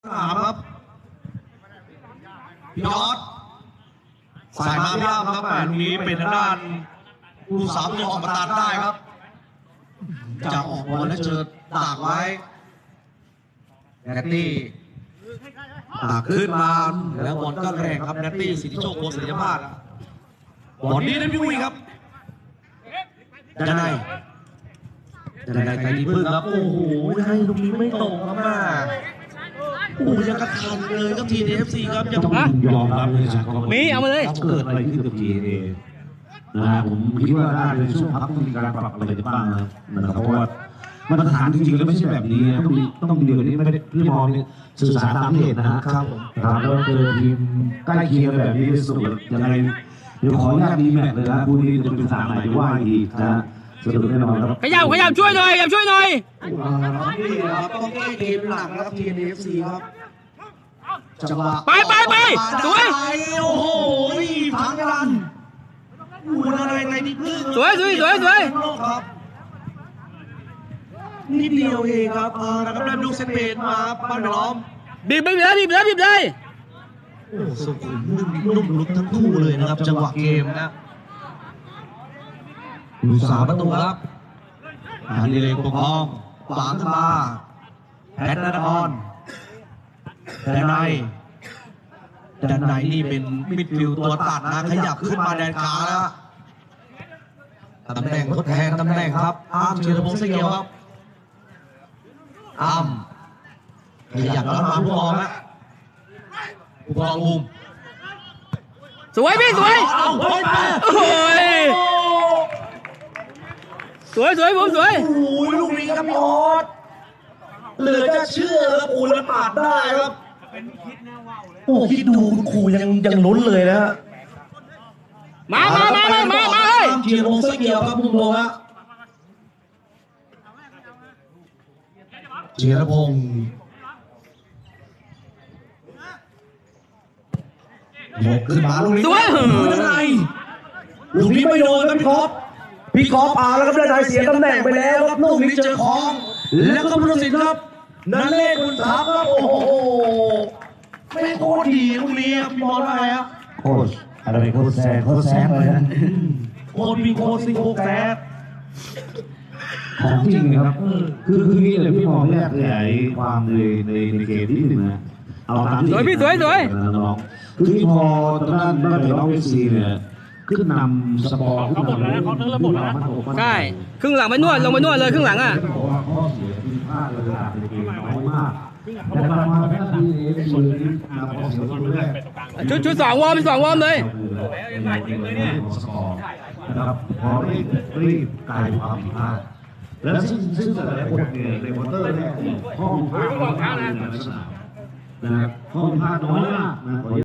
ครับพี่ออสสายมาพี่อ้ำครับลูกนี้เป็นทางด้านผู้สามตัวออกมาตัดได้ครับจะออกบอลแล้วเจอตากไว้แนตตี้ตากขึ้นมาแล้วบอลก็แรงครับแนตตี้สิทธิโชคโคศิริยภาสบอลนี้นะพี่อุ้ยครับจะได้ใครดีพึ่งครับโอ้โหให้ลูกนี้ไม่ตรงครับมาโอ้ยังกระทันเลยครับทีเอฟซีครับยังต้องยอมรับเลยครับมีเอามาเลยเกิดอะไรขึ้นกับทีเอนะผมคิดว่าน่าจะช่วงพักต้องมีการปรับอะไรกันบ้างนะครับเพราะว่ามาตรฐานจริงๆแล้วไม่ใช่แบบนี้ต้องเดียวนี้ไม่ได้พี่มองสื่อสารตามเหตุนะครับแล้วเจอทีมใกล้เคียงแบบนี้สุดยังไงเดี๋ยวขออนุญาตดีแมตช์เลยนะคู่นี้จะเป็นสามไหนว่าอีกนะสนุกแน่นอนครับขยับช่วยหน่อยนี่ครับต้องแก้เกมหนักนะครับทีเอฟซีครับจังหวะไปสวยโอ้โหพังรันอะไรนี่พึ่งสวยครับนิดเดียวเองครับนะครับได้ลูกเซตเปนมาปั้นล้อมบีบเลยโอ้สุขุมนุ่มลุกทั้งคู่เลยนะครับจังหวะเกมนะสามประตูครับดีเลยปกครองขวางขึ้นมาแพทนครด้านในนี่เป็นมิดฟิลด์ตัวตัดนะขยับขึ้นมาแดนกลางแล้วตำแหน่งทดแทนตำแหน่งครับอ้ามธีรพงษ์เสกียวครับอ้ามขยับแล้วมาผู้กองนะผู้กองอุ้มสวยพี่สวยโอ้ยสวยผมสวยโอ้ยลูกนี้ครับพี่ออสเหลือจะเชื่อครับโอ้แล้วปาดได้ครับโอ้คิดดูคุณครูยังลุ้นเลยนะมาเฮ้ยธีรพงษ์เสกียวครับคุณผู้ชมฮะธีรพงษ์ยกขึ้นมาลูกนี้สวยด้านในลูกนี้ไม่โดนครับพี่กอล์ฟแล้วครับด้านในเสียตำแหน่งไปแล้วครับลูกนี้เจอของแล้วก็พุทธศิลป์ครับนั่นเลขคุณทัพครับโอ้โหไม่โคตรดีลูกนี้ครับพี่บอลว่าไงครับโค้ชอะไรโค้ชแซงเลยนะโค้ชมีโค้ชซิงโค้ชแซงของจริงนะครับคือนี่เลยพี่มองแรกเลยความในเกมที่หนึ่งนะเอาตามที่สวยน้องคือที่พอตอนนั้นได้น้องเอฟซีเนี่ยขึ้นนำสปอร์ขึ้นนำใช่ครึ่งหลังไปนวดลงไปนวดเลยครึ่งหลังอ่ะข้อเสียที่พลาดเลยในเกมน้อยมากแต่มาแค่ทีเอฟซีนำข้อเสียตัวแรกชุด2 วอร์มเลยนะครับพอรีบกลายความผิดพลาดแล้วซึ่งแต่ละคนเนี่ยในวอเตอร์เนี่ยข้อผิดพลาดนะครับข้อผิดพลาดน้อยมากนะ